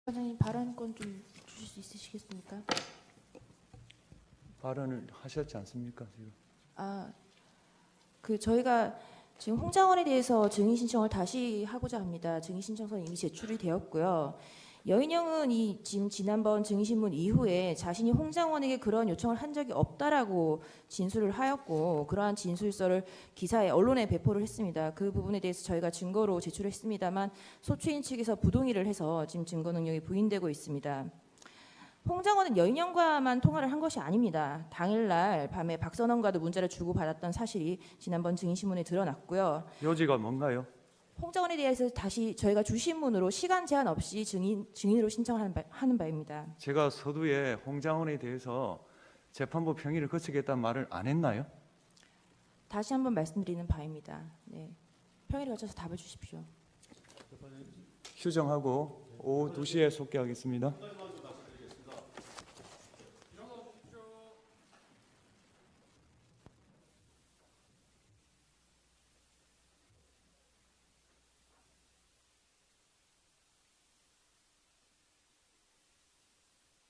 과장님 발언권 좀 주실 수 있으시겠습니까? 발언을 하셨지 않습니까 지금? 저희가 지금 홍장원에 대해서 증인 신청을 다시 하고자 합니다. 증인 신청서는 이미 제출이 되었고요. 여인영은 지금 지난번 증인 신문 이후에 자신이 홍장원에게 그런 요청을 한 적이 없다라고 진술을 하였고, 그러한 진술서를 기사에 언론에 배포를 했습니다. 그 부분에 대해서 저희가 증거로 제출했습니다만 소추인 측에서 부동의를 해서 지금 증거 능력이 부인되고 있습니다. 홍장원은 여인영과만 통화를 한 것이 아닙니다. 당일날 밤에 박선원과도 문자를 주고받았던 사실이 지난번 증인신문에 드러났고요. 요지가 뭔가요? 홍장원에 대해서 다시 저희가 주신문으로 시간 제한 없이 증인으로 신청하는 바입니다. 제가 서두에 홍장원에 대해서 재판부 평의를 거치겠다는 말을 안 했나요? 다시 한번 말씀드리는 바입니다. 네. 평일에 거쳐서 답을 주십시오. 휴정하고 오후 2시에 속개하겠습니다.